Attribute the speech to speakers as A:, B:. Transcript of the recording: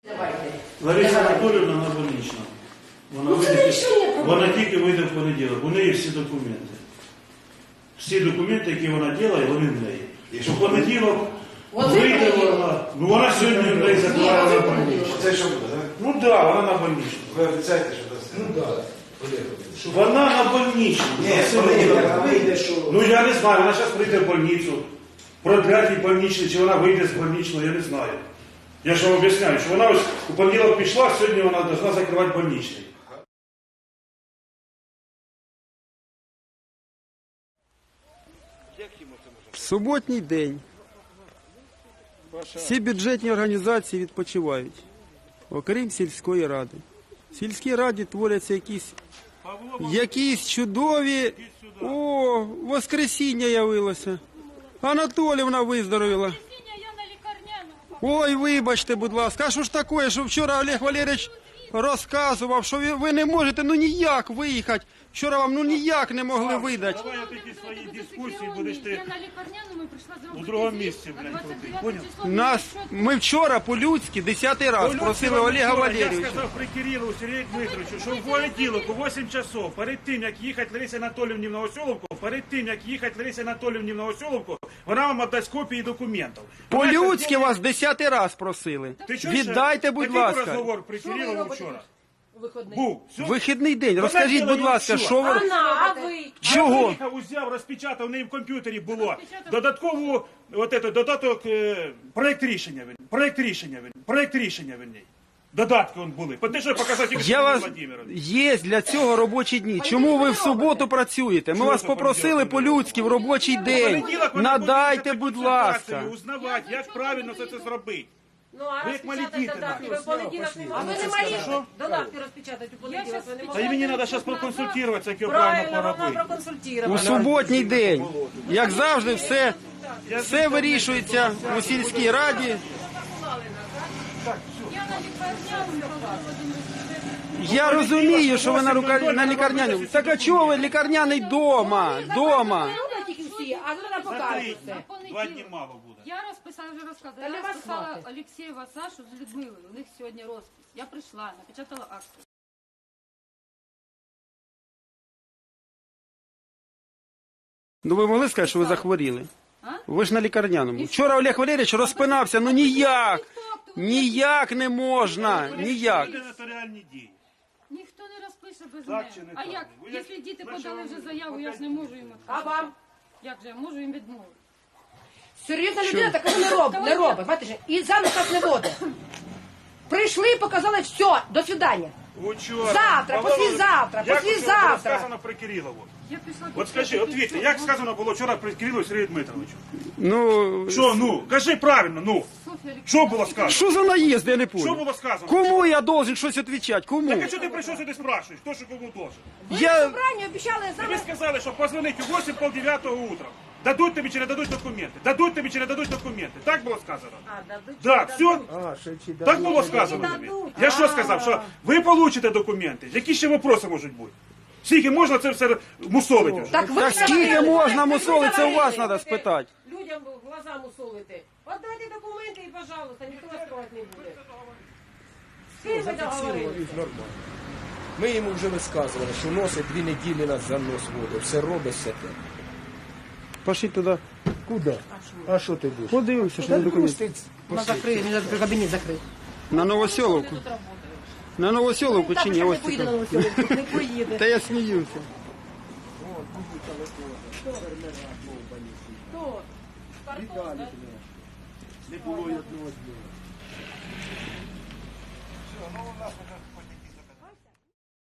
A: Лариса Анатоліївна на больничному. Вона тільки вийде в понеділок. У неї всі документи. Всі документи, які вона робила, вони в неї. У понеділок вийде вона. Ну вона сьогодні в неї закривала на больничному.
B: Це що буде, так?
A: Ну так, вона на больничному.
B: Ви обіцяєте, що дасте?
C: Ну так.
A: Вона на больничному.
B: Ні, вона вийде, що...
A: Ну я не знаю, вона зараз прийде в больницю. Продлять їй больничний, чи вона вийде з больничного, я не знаю. Я ж вам об'ясняю, що вона ось у понеділок пішла, сьогодні вона повинна закривати больничний.
D: В суботній день всі бюджетні організації відпочивають, окрім сільської ради. В сільській раді творяться якісь чудові... О, воскресіння явилося. Анатоліївна виздоровіла. Ой, вибачте, будь ласка, а що ж таке, що вчора Олег Валерійович розказував, що ви не можете ніяк виїхати. Вчора вам ніяк не могли видати.
A: Давай такі свої дискусії будеш ти у другому місці, блядь, крутий. Поняв?
D: Ми вчора по-людськи 10-й раз просили Олега
A: Я
D: Валерійовича.
A: сказав при Кирилу Сергію Дмитровичу, що в понеділок у 8 часов, перед тим, як їхати Ларисі Анатоліївні в Новоселовку, вона вам віддасть копії документів.
D: По-людськи вас 10-й раз просили. Віддайте, будь
A: Такий
D: ласка.
A: розговор при Кирилову вчора. Був.
D: Вихідний день. Розкажіть, будь ласка, що ви... Чого?
A: Приїхав, узяв, розпечатав, в неї в комп'ютері було. Додаток, проєкт рішення в ній. Додатки он були. Те, що я показав тільки Сергію Владимировичу.
D: Є для цього робочі дні. Чому ви в суботу працюєте? Ми вас попросили по-людськи в робочий день. Надайте, будь ласка.
A: Узнавати, як правильно це зробити.
E: Ну, а
A: Ви як малі діти.
E: А ви не малі додатки розпечатати у понеділок?
A: Та і мені треба зараз проконсультуватися, як його
E: Правильно,
A: правильно
E: вам
A: поробити.
E: проконсультувати.
D: У суботній день. Як завжди, все вирішується у сільській раді. Я розумію, що ви на лікарняному. Так а чого ви лікарняний дома? Дома.
E: Тільки всі, а ви покажете.
A: 2 дні мало буде.
F: Я розписала, вже розказала. Я розписала Олексєєва Сашу з Людмилою. У них сьогодні розпис. Я прийшла, напечатала акцію.
D: Ну ви могли сказати, що ви захворіли?
F: А?
D: Ви ж на лікарняному. Вчора Олег Валерійович розпинався, ну ніяк. Ніяк не можна, ніяк.
A: Це нотаріальні дії.
F: Ніхто не розпише без
A: Так чи
F: мене.
A: не
F: А
A: так?
F: як?
A: Ви
F: Якщо
A: як
F: діти
A: причому
F: подали вже заяву, я ж не можу їм
E: А
F: відказати.
E: вам?
F: Як же, я можу їм відмовити?
E: Серйозна людина такого не робить. Бачите, і замість нас не водить. Прийшли, показали, все, до свидання.
A: Учора.
E: Завтра, послезавтра,
A: Як
E: послезавтра.
A: було сказано при Кирилову?
F: Я пішла
A: От скажи, от Вітя, як сказано було вчора при Кирилову Сергію Дмитровичу?
D: Ну,
A: Що, ну? Кажи правильно, ну.
F: Софія
A: Що було сказано?
D: що за наїзд, я не
A: Що
D: понял.
A: було сказано?
D: Кому я должен щось відповідати? Кому?
A: Так а що ти прийшов сюди спрашуєш? Хто що кому должен?
E: Ви на
D: Я...
E: собранні обіцяли
A: Тобі
E: саме...
A: сказали, що позвонить у 8:30 утром. Дадуть тобі чи не дадуть документи? Дадуть тобі чи не дадуть документи? Так було сказано? Так, все? Так було сказано тобі? Я що сказав? Що ви получите документи? Які ще вопроси можуть бути? Скільки можна це все мусолити вже?
E: Так, ви
D: Так скільки можна мусолити, це у вас треба спитати.
E: Людям в глаза мусолити. Отдайте документи і, пожалуйста, ніхто вас трогати не буде. З ким ви договорились?
C: Ми йому вже висказували, що носить 2 неділі нас за нос водить. Все робить все те.
D: Пошли туди.
C: Куди? А що ти будеш?
D: Подивимося, що на документи.
E: Вона закриє, він кабінет закрив.
D: На Новоселовку. На Новоселовку чи ні?
E: Так,
D: Ось
E: не поїде
D: це.
E: на Новоселівку, не поїде.
D: Та я сміюся.
E: Хто?
A: Не було й одного дня. Все, ну у нас